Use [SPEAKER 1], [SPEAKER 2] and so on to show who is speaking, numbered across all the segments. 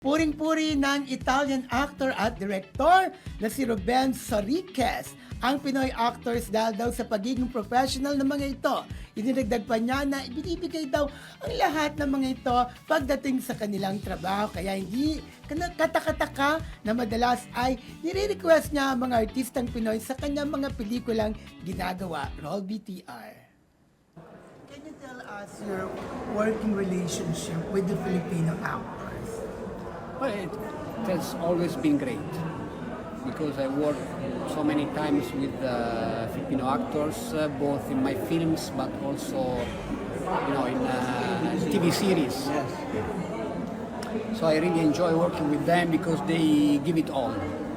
[SPEAKER 1] Puring-puri ng Italian actor at director na si Ruben Soriques ang Pinoy actors dahil daw sa pagiging professional ng mga ito. Idinagdag pa niya na ibinibigay daw ang lahat ng mga ito pagdating sa kanilang trabaho. Kaya hindi katakataka na madalas ay nire-request niya ang mga artistang Pinoy sa kanyang mga pelikulang ginagawa. Roll BTR. Can you tell us your working relationship with the Filipino actors?
[SPEAKER 2] Well, it has always been great because I worked so many times with Filipino actors, both in my films but also, in TV series.
[SPEAKER 3] Yes.
[SPEAKER 2] So I really enjoy working with them because they give it all.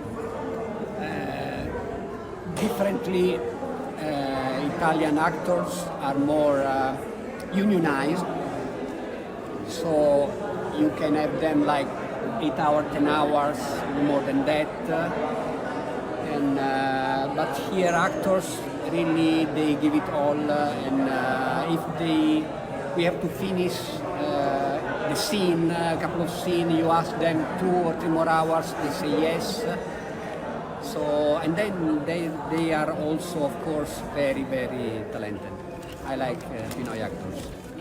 [SPEAKER 2] Differently, Italian actors are more unionized, so you can have them like 8 hours, 10 hours, more than that. But here actors really they give it all, and if we have to finish the scene, a couple of scenes, you ask them 2 or 3 more hours, they say yes. So and then they are also of course very talented. I like Pinoy actors.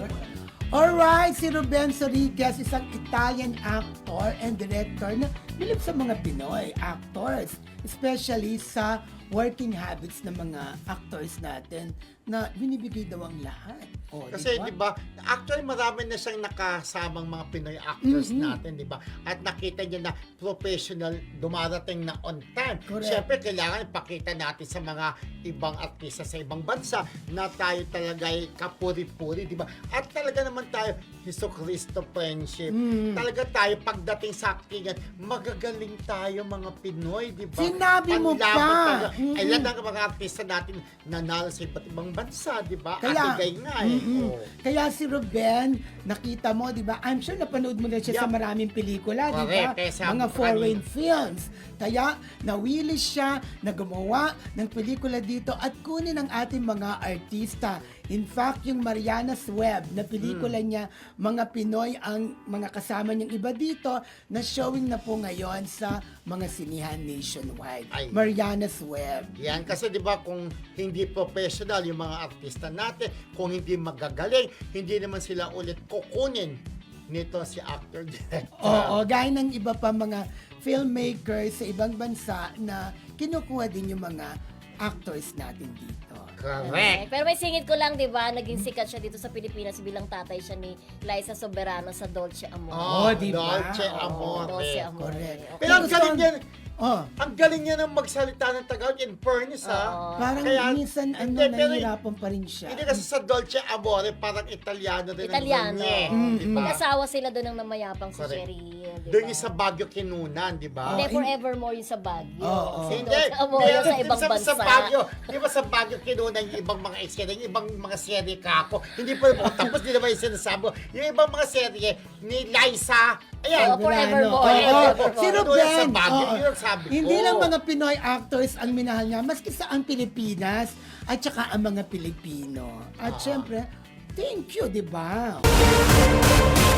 [SPEAKER 1] Alright, si Ruben Soriques, isang Italian actor and director na bilib sa mga Pinoy actors, especially sa working habits ng mga actors natin na binibigay daw ang lahat. Oh,
[SPEAKER 3] Kasi di ba, actually marami na siyang nakasamang mga Pinoy actors natin, di ba? At nakita niya na professional, dumarating na on time.
[SPEAKER 1] Correct.
[SPEAKER 3] Siyempre, kailangan ipakita natin sa mga ibang artista sa ibang bansa na tayo talaga ay kapuri-puri, di ba? At talaga naman tayo, Hesus Cristo friendship. Talaga tayo, pagdating sa actingan, magagaling tayo mga Pinoy, di ba?
[SPEAKER 1] Sinabi mo
[SPEAKER 3] Panlaban
[SPEAKER 1] pa!
[SPEAKER 3] talaga. Ayan ang mga artista natin nanalo sa iba't ibang bansa, di ba?
[SPEAKER 1] Kaya-
[SPEAKER 3] At igay nga eh. Oo.
[SPEAKER 1] Kaya si Ruben, nakita mo, di ba? I'm sure napanood mo na siya sa
[SPEAKER 3] Yup.
[SPEAKER 1] maraming pelikula, di ba?
[SPEAKER 3] Correct. Kaya sabi
[SPEAKER 1] Mga
[SPEAKER 3] ko
[SPEAKER 1] foreign
[SPEAKER 3] kanina.
[SPEAKER 1] films. Kaya nawili siya na gumawa ng pelikula dito at kunin ang ating mga artista. In fact, yung Mariana's Web na pelikula niya, mga Pinoy ang mga kasama niyang iba dito na showing na po ngayon sa mga sinihan nationwide.
[SPEAKER 3] Ay.
[SPEAKER 1] Mariana's Web.
[SPEAKER 3] Yan, kasi di ba kung hindi professional yung mga artista natin, kung hindi magagaling, hindi naman sila ulit kukunin nito si actor director.
[SPEAKER 1] Oo, gaya ng iba pa mga filmmakers sa ibang bansa na kinukuha din yung mga actors natin dito.
[SPEAKER 3] Correct.
[SPEAKER 4] Pero may singit ko lang, di ba? Naging sikat siya dito sa Pilipinas bilang tatay siya ni Liza Soberano sa Dolce Amore.
[SPEAKER 1] Oh, di ba?
[SPEAKER 3] Dolce
[SPEAKER 1] Oo,
[SPEAKER 3] Amore.
[SPEAKER 4] Dolce Amore.
[SPEAKER 1] Correct.
[SPEAKER 4] Okay.
[SPEAKER 3] Pero ang galing niya,
[SPEAKER 1] Oh,
[SPEAKER 3] ang galing niya ng magsalita ng Tagalog in fairness, ha?
[SPEAKER 4] Oo.
[SPEAKER 1] parang
[SPEAKER 3] Kaya-
[SPEAKER 1] minsan
[SPEAKER 3] Hindi, pero-
[SPEAKER 1] nahihirapan pa rin siya.
[SPEAKER 3] Hindi kasi sa Dolce Amore, parang Italiano rin
[SPEAKER 4] Italiano.
[SPEAKER 3] ang niya. Di ba?
[SPEAKER 4] Mag-asawa sila doon ng namayapang si
[SPEAKER 3] Correct.
[SPEAKER 4] Cheryl, di ba?
[SPEAKER 3] Doon yung sa Baguio Kinunan, di ba?
[SPEAKER 4] Hindi, forevermore yung sa Baguio.
[SPEAKER 1] Oo.
[SPEAKER 4] Si
[SPEAKER 3] Hindi,
[SPEAKER 4] Dolce Amore yung sa ibang bansa.
[SPEAKER 3] Sa Baguio, di ba sa Baguio kinunan yung ibang mga eksena, yung ibang mga serye kako. Hindi pa rin tapos, di naman yung sinasabi mo. Yung ibang mga serye ni Liza, ayan.
[SPEAKER 4] Oo, forevermore.
[SPEAKER 1] Oo,
[SPEAKER 4] Forevermore.
[SPEAKER 1] si
[SPEAKER 3] Doon
[SPEAKER 1] Ruben,
[SPEAKER 3] sa Baguio,
[SPEAKER 1] oo.
[SPEAKER 3] yun ang sabi ko.
[SPEAKER 1] Hindi lang mga Pinoy actors ang minahal niya, maski sa ang Pilipinas at saka ang mga Pilipino. At syempre, thank you, di ba?